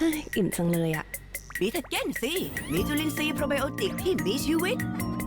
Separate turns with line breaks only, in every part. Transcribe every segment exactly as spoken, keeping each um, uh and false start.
ฮ้ยอิ่มจังเลยอะ
บีทาเก้นสิมีจุลินทรีย์โปรไบโอติกที่มีชีวิต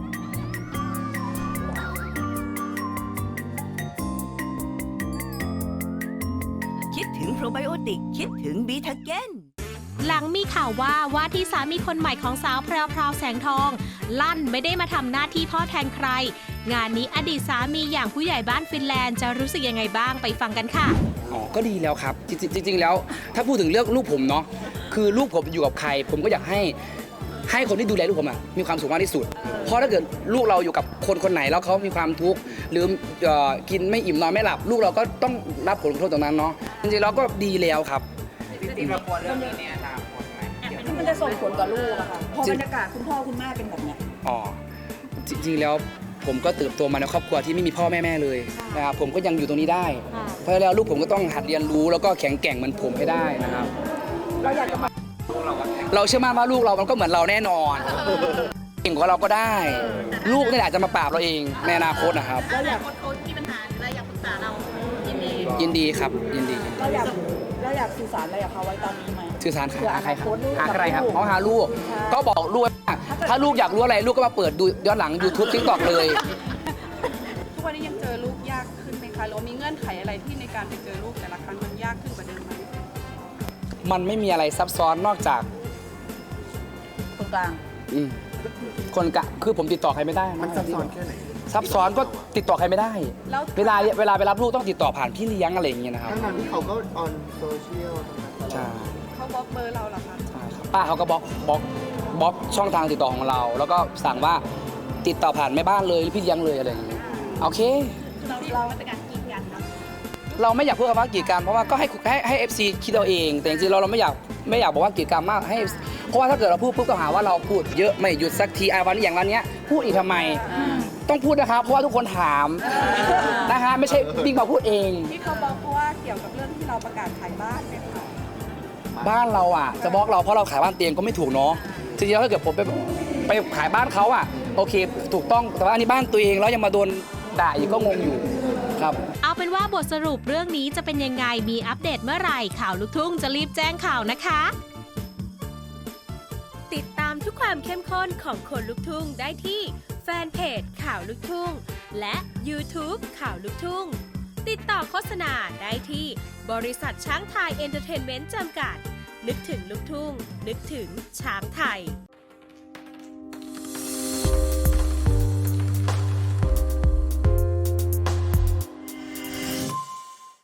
คิดถึงโปรไบโอติกคิดถึงบีทาเก้น
หลังมีข่าวว่าว่าที่สามีคนใหม่ของสาวแพรวพราวแสงทอง ลั่นไม่ได้มาทำหน้าที่พ่อแทนใคร งานนี้อดีตสามีอย่างผู้ใหญ่บ้านฟินแลนด์จะรู้สึกยังไงบ้างไปฟังกันค่ะ
อ๋อก็ดีแล้วครับจริงๆจริงๆแล้วถ้าพูดถึงเรื่องลูกผมเนาะคือลูกผมอยู่กับใคร ผมก็อยากให้ให้คนที่ดูแลลูกผมอะมีความสุขมากที่สุด เพราะถ้าเกิดลูกเราอยู่กับคนคนไหนแล้วเขามีความทุกข์หรือเอ่อกินไม่อิ่มนอนไม่หลับ ลูกเราก็ต้องรับผลกระทบตรงนั้นเนาะจริงๆเราก็ดีแล้วครับ
จริงๆเราควรเรื่องนี้เนี่ยนะ
มันจะส่งผลต่อลูกอะค่ะพอบรรยากาศคุณพ่อคุณแม่เป็นแบบเนี้ย
อ๋อจริงๆแล้วผมก็เติบโตมาในครอบครัวที่ไม่มีพ่อแม่แม่เลยนะครับผมก็ยังอยู่ตรงนี้ได้เพราะแล้วลูกผมก็ต้องหัดเรียนรู้แล้วก็แข็งแกร่งเหมือนผมให้ได้นะครับ
เราอยากจะมา
เราเชื่อมั่นว่าลูกเรามันก็เหมือนเราแน่นอนเก่งกว่าเราก็ได้ ลูกนี่แหละจะมาปราบเราเองในอนาคตนะครับ
เราอยากโค้ชมีปัญหาหรืออะไรอยากปรึกษาเรายินดี
ยินดีครับยินดี
เราอยากเราอยากสื่อสารอะไรกับเขาไว้ตอนนี้ไหม
สื่อสารหาใครครับหาใครครับเขาหาลูกก็บอกลูกว่าถ้าลูกอยากรู้อะไรลูกก็มาเปิดดูย้อนหลัง YouTube TikTok เลย
ทุกวันนี้ยังเจอลูกยากขึ้นไหมคะหรือมีเงื่อนไขอะไรที่ในการไปเจอลูกแต่ละครั้งมันยากขึ้นกว่าเดิมไหม
มันไม่มีอะไรซับซ้อนนอกจาก
คนกลาง
อืมคนกะคือผมติดต่อใครไม่ได้
มันซับซ้อนแค่ไหน
ซับซ้อนก็ติดต่อใครไม่ได้เวลาเวลาไปรับลูกต้องติดต่อผ่านพี่เลี้ยงอะไรอย่างเงี้ยนะครับ
ทั้งนั้นที่เขาก็ออนโซเชียล
ใช่
เขาบล็อกเบอร์เราเหรอคะ
ใช่ครับป้าเขาก็บล็อกบล็อกบล็อกช่องทางติดต่อของเรา แล้วก็สั่งว่าติดต่อผ่านแม่บ้านเลยหรือพี่เลี้ยงเลยอะไรอย่างเงี้ยโอเค
เราเราเป็นการกีดกันเนาะ
เราไม่อยากพูดคำว่ากีดกันเพราะว่าก็ให้ให้ให้เอฟซีคิดเอาเองแต่จริงๆเราเราไม่อยากไม่อยากบอกว่ากีดกันมากให้เพราะว่าถ้าเกิดเราพูดปุ๊บก็หาว่าเราพูดเยอะไม่หยุดสักทีไอ้วันนี้อย่างวันนี้พูดอีกทำไมต้องพูดนะครับเพราะว่าทุกคนถามนะฮะไม่ใช่บิ๊กมาพูดเอง
ที่เขาบอกเพราะว่าเกี่ยวกับเรื่องที่เราประกาศขายบ้านเนี่ยค่ะ
บ้านเราอ่ะจะบล็อกเราเพราะเราขายบ้านเตียงก็ไม่ถูกเนาะจริงๆแล้วถ้าเกิดผมไปไปขายบ้านเขาอ่ะโอเคถูกต้องแต่ว่าอันนี้บ้านตัวเองแล้วยังมาโดนด่าอีกก็งงอยู่ครับ
เอาเป็นว่าบทสรุปเรื่องนี้จะเป็นยังไงมีอัปเดตเมื่อไหร่ข่าวลูกทุ่งจะรีบแจ้งข่าวนะคะติดตามทุกความเข้มข้นของคนลูกทุ่งได้ที่แฟนเพจข่าวลูกทุ่งและ YouTube ข่าวลูกทุ่งติดต่อโฆษณาได้ที่บริษัทช้างไทยเอนเตอร์เทนเมนต์จำกัดนึกถึงลูกทุ่งนึกถึงช้างไทย